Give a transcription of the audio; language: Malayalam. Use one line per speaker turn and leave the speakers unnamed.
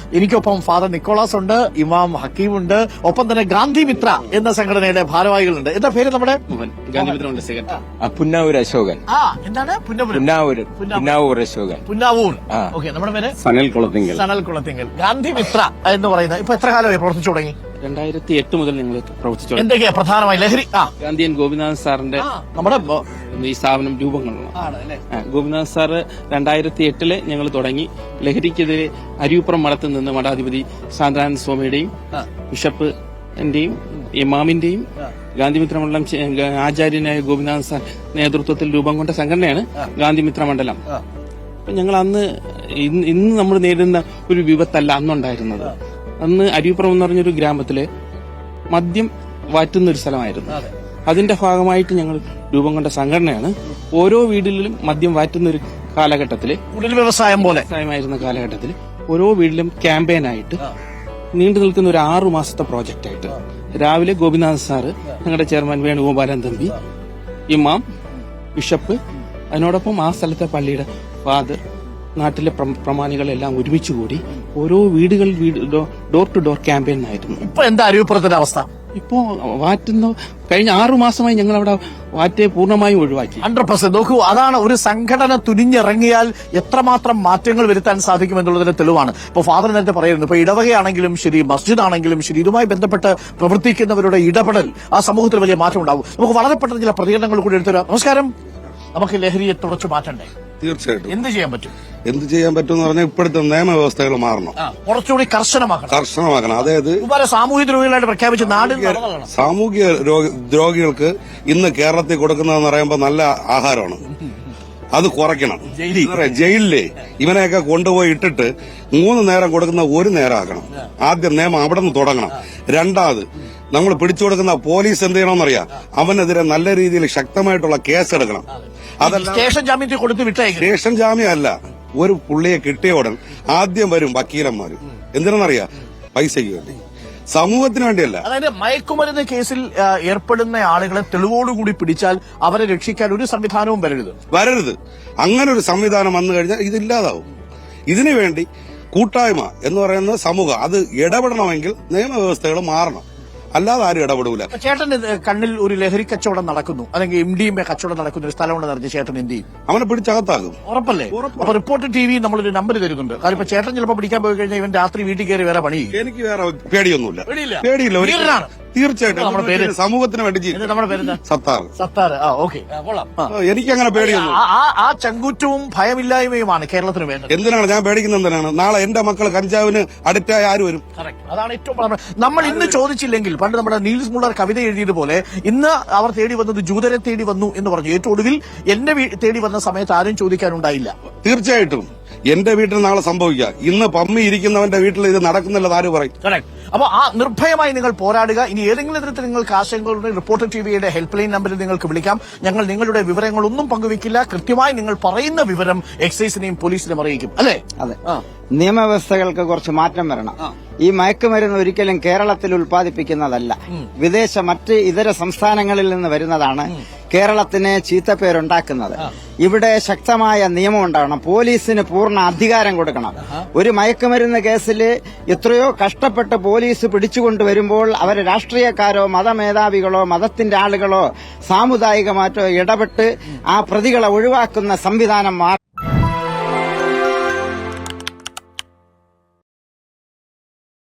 എനിക്കൊപ്പം ഫാദർ നിക്കോളാസ് ഉണ്ട്, ഇമാം ഹക്കീം ഉണ്ട്, ഒപ്പം തന്നെ ഗാന്ധി മിത്ര എന്ന സംഘടനയുടെ ഭാരവാഹികളുണ്ട്. എന്താ പേര് നമ്മുടെ?
പുന്നാവൂർ അശോകൻ.
എന്താണ്?
പുന്നാവൂർ അശോകൻ.
പുന്നാവൂർ. ഓക്കെ. നമ്മുടെ പേര്
സനൽ കുളത്തിങ്കൽ.
ഗാന്ധി മിത്ര എന്ന് പറയുന്നത് ഇപ്പൊ എത്ര കാലമായി പ്രവർത്തിച്ചു തുടങ്ങി?
2008 മുതൽ ഞങ്ങൾ പ്രവർത്തിച്ചു.
എന്തൊക്കെയാ പ്രധാനമായി? ലഹരി
ഗാന്ധിയൻ ഗോപിനാഥ് സാറിന്റെ
നമ്മുടെ
ഈ സ്ഥാപനം രൂപം കൊള്ളണം. ഗോപിനാഥ് സാറ് 2008 ഞങ്ങൾ തുടങ്ങി. ലഹരിക്കെതിരെ അരിയൂപ്പുറം മഠത്തിൽ നിന്ന് മഠാധിപതി ശാന്താനന്ദ സ്വാമിയുടെയും ബിഷപ്പിന്റെയും ഇമാമിന്റെയും ഗാന്ധിമിത്ര മണ്ഡലം ആചാര്യനായ ഗോപിനാഥ് സാർ നേതൃത്വത്തിൽ രൂപം കൊണ്ട സംഘടനയാണ് ഗാന്ധിമിത്ര മണ്ഡലം. അപ്പൊ ഞങ്ങൾ അന്ന് ഇന്ന് നമ്മൾ നേരിടുന്ന ഒരു വിപത്തല്ല അന്നുണ്ടായിരുന്നത്. അന്ന് അരിയൂപ്പുറം എന്ന് പറഞ്ഞൊരു ഗ്രാമത്തില് മദ്യം വാറ്റുന്ന ഒരു സ്ഥലമായിരുന്നു. അതിന്റെ ഭാഗമായിട്ട് ഞങ്ങൾ രൂപം കൊണ്ട സംഘടനയാണ്. ഓരോ വീടുകളിലും മദ്യം വാറ്റുന്ന ഒരു കാലഘട്ടത്തില്, വ്യവസായമായിരുന്ന കാലഘട്ടത്തിൽ ഓരോ വീട്ടിലും ക്യാമ്പയിനായിട്ട് നീണ്ടു നിൽക്കുന്ന ഒരു 6 മാസത്തെ പ്രോജക്റ്റായിട്ട് രാവിലെ ഗോപിനാഥ് സാറ്, ഞങ്ങളുടെ ചെയർമാൻ വേണുഗോപാലൻ തമ്പി, ഇമാം, ബിഷപ്പ്, അതിനോടൊപ്പം ആ സ്ഥലത്തെ പള്ളിയുടെ ഫാദർ, നാട്ടിലെ പ്രമാണികളെല്ലാം ഒരുമിച്ചുകൂടി ഓരോ വീടുകൾ ഡോർ ടു ഡോർ ക്യാമ്പയിൻ ആയിരുന്നു.
ഇപ്പൊ എന്താ അരിയൂപ്പുറത്തിന്റെ അവസ്ഥ?
ഇപ്പോ വാറ്റുന്ന കഴിഞ്ഞ 6 മാസമായി ഞങ്ങൾ അവിടെ വാറ്റെ പൂർണ്ണമായും ഒഴിവാക്കി.
100%. നോക്കൂ, അതാണ് ഒരു സംഘടന തുനിഞ്ഞിറങ്ങിയാൽ എത്രമാത്രം മാറ്റങ്ങൾ വരുത്താൻ സാധിക്കുമെന്നുള്ളതിന്റെ തെളിവാണ്. ഇപ്പൊ ഫാദർ നേരത്തെ പറയുന്നു, ഇപ്പൊ ഇടവകയാണെങ്കിലും ശരി, മസ്ജിദ് ആണെങ്കിലും ശരി, ഇതുമായി ബന്ധപ്പെട്ട് പ്രവർത്തിക്കുന്നവരുടെ ഇടപെടൽ ആ സമൂഹത്തിൽ വലിയ മാറ്റം ഉണ്ടാവും. നമുക്ക് വളരെ പെട്ടെന്ന് ചില പ്രതികരണങ്ങൾ കൂടി എടുത്തുതരാം. നമസ്കാരം. നമുക്ക് ലഹരിയെ തുടച്ചു മാറ്റണ്ടേ?
തീർച്ചയായിട്ടും.
എന്ത് ചെയ്യാൻ പറ്റും
എന്ന് പറഞ്ഞാൽ ഇപ്പോഴത്തെ നിയമവ്യവസ്ഥകൾ മാറണം,
കുറച്ചുകൂടി കർശനമാക്കണം.
അതായത്
സാമൂഹിക ദ്രോഹികളായിട്ട് പ്രഖ്യാപിച്ച്
സാമൂഹിക ദ്രോഹികൾക്ക് ഇന്ന് കേരളത്തിൽ കൊടുക്കുന്നതെന്ന് പറയുമ്പോൾ നല്ല ആഹാരമാണ്, അത് കുറയ്ക്കണം. ജയിലിലെ ഇവനെയൊക്കെ കൊണ്ടുപോയി ഇട്ടിട്ട് 3 നേരം കൊടുക്കുന്ന 1 നേരം ആക്കണം. ആദ്യം നിയമം അവിടെ നിന്ന് തുടങ്ങണം. രണ്ടാമത് നമ്മൾ പിടിച്ചു കൊടുക്കുന്ന പോലീസ് എന്ത് ചെയ്യണമെന്നറിയാം, അവനെതിരെ നല്ല രീതിയിൽ ശക്തമായിട്ടുള്ള കേസെടുക്കണം. അതല്ല
സ്റ്റേഷൻ ജാമ്യത്തിൽ കൊടുത്ത് വിട്ടേക്കും.
സ്റ്റേഷൻ ജാമ്യം അല്ല, ഒരു പുള്ളിയെ കിട്ടിയ ഉടൻ ആദ്യം വരും വക്കീലന്മാര്. എന്തിനാണെന്നറിയാം, പൈസയ്ക്ക് വേണ്ടി, സമൂഹത്തിന് വേണ്ടിയല്ല.
അതായത് മയക്കുമരുന്ന് കേസിൽ ഏർപ്പെടുന്ന ആളുകളെ തെളിവോടുകൂടി പിടിച്ചാൽ അവരെ രക്ഷിക്കാൻ ഒരു സംവിധാനവും വരരുത്.
അങ്ങനെ ഒരു സംവിധാനം വന്നു കഴിഞ്ഞാൽ ഇതില്ലാതാവും. ഇതിനുവേണ്ടി കൂട്ടായ്മ എന്ന് പറയുന്ന സമൂഹം അത് ഇടപെടണമെങ്കിൽ നിയമവ്യവസ്ഥകൾ മാറണം, അല്ലാതെ ആരും ഇടപെടൂല.
ചേട്ടൻ കണ്ണിൽ ഒരു ലഹരി കച്ചവടം നടക്കുന്നു, അല്ലെങ്കിൽ MDMA കച്ചവടം നടക്കുന്ന ഒരു സ്ഥലമുണ്ടെന്ന് അറിഞ്ഞ് ചേട്ടൻ എന്ത് ചെയ്യും?
അവനെ പിടിച്ചകത്താകും.
ഉറപ്പല്ലേ? അപ്പൊ റിപ്പോർട്ട് TV നമ്മളൊരു നമ്പർ തരുന്നുണ്ട്. കാരണം ഇപ്പൊ ചേട്ടൻ ചിലപ്പോൾ പിടിക്കാൻ പോയി കഴിഞ്ഞാൽ ഇവൻ രാത്രി വീട്ടിൽ കയറി വേറെ പണി.
എനിക്ക് വേറെ പേടിയൊന്നുമില്ല. തീർച്ചയായിട്ടും നമ്മുടെ പേര് സമൂഹത്തിന് വേണ്ടി.
നമ്മുടെ പേര് സത്താർ. ഓക്കെ,
എനിക്കങ്ങനെ പേടിയൊന്നും.
ആ ചങ്കൂറ്റവും ഭയമില്ലായ്മയുമാണ് കേരളത്തിന് വേണ്ടത്.
എന്തിനാണ് ഞാൻ പേടിക്കുന്നത്? എന്തിനാണ്? നാളെ എന്റെ മക്കൾ കഞ്ചാവിന് അഡിക്റ്റായ ആര് വരും?
അതാണ് ഏറ്റവും നമ്മൾ ഇന്ന് ചോദിച്ചില്ലെങ്കിൽ, പണ്ട് നമ്മുടെ നീൽസ് മുള്ളർ കവിത എഴുതിയതുപോലെ, ഇന്ന് അവർ തേടി വന്നത് ജൂതരെ തേടി വന്നു എന്ന് പറഞ്ഞു. ഏറ്റവും ഒടുവിൽ എന്റെ തേടി വന്ന സമയത്ത് ആരും ചോദിക്കാനുണ്ടായില്ല.
തീർച്ചയായിട്ടും എന്റെ വീട്ടിൽ നാളെ സംഭവിക്കുക. ഇന്ന് പമ്മി ഇരിക്കുന്നവന്റെ വീട്ടിൽ ഇത് നടക്കുന്നില്ല, ആര് പറയും?
അപ്പൊ ആ നിർഭയമായി നിങ്ങൾ പോരാടുക. ഇനി ഏതെങ്കിലും തരത്തിൽ നിങ്ങൾക്ക് ആശങ്കകളുടെ റിപ്പോർട്ടർ TVയുടെ ഹെൽപ്പ് ലൈൻ നമ്പറിൽ നിങ്ങൾക്ക് വിളിക്കാം. ഞങ്ങൾ നിങ്ങളുടെ വിവരങ്ങളൊന്നും പങ്കുവെക്കില്ല. കൃത്യമായി നിങ്ങൾ പറയുന്ന വിവരം എക്സൈസിനെയും പോലീസിനെയും അറിയിക്കും. അല്ലേ?
അതെ. നിയമവ്യവസ്ഥകൾക്ക് കുറച്ച് മാറ്റം വരണം. ഈ മയക്കുമരുന്ന് ഒരിക്കലും കേരളത്തിൽ ഉൽപ്പാദിപ്പിക്കുന്നതല്ല, മറ്റ് ഇതര സംസ്ഥാനങ്ങളിൽ നിന്ന് വരുന്നതാണ് കേരളത്തിന് ചീത്തപ്പേരുണ്ടാക്കുന്നത്. ഇവിടെ ശക്തമായ നിയമം ഉണ്ടാകണം, പോലീസിന് പൂർണ്ണ അധികാരം കൊടുക്കണം. ഒരു മയക്കുമരുന്ന് കേസിൽ എത്രയോ കഷ്ടപ്പെട്ട് പോലീസ് പിടിച്ചുകൊണ്ടുവരുമ്പോൾ അവർ രാഷ്ട്രീയക്കാരോ മതമേധാവികളോ മതത്തിന്റെ ആളുകളോ സാമുദായികമാറ്റോ ഇടപെട്ട് ആ പ്രതികളെ ഒഴിവാക്കുന്ന സംവിധാനം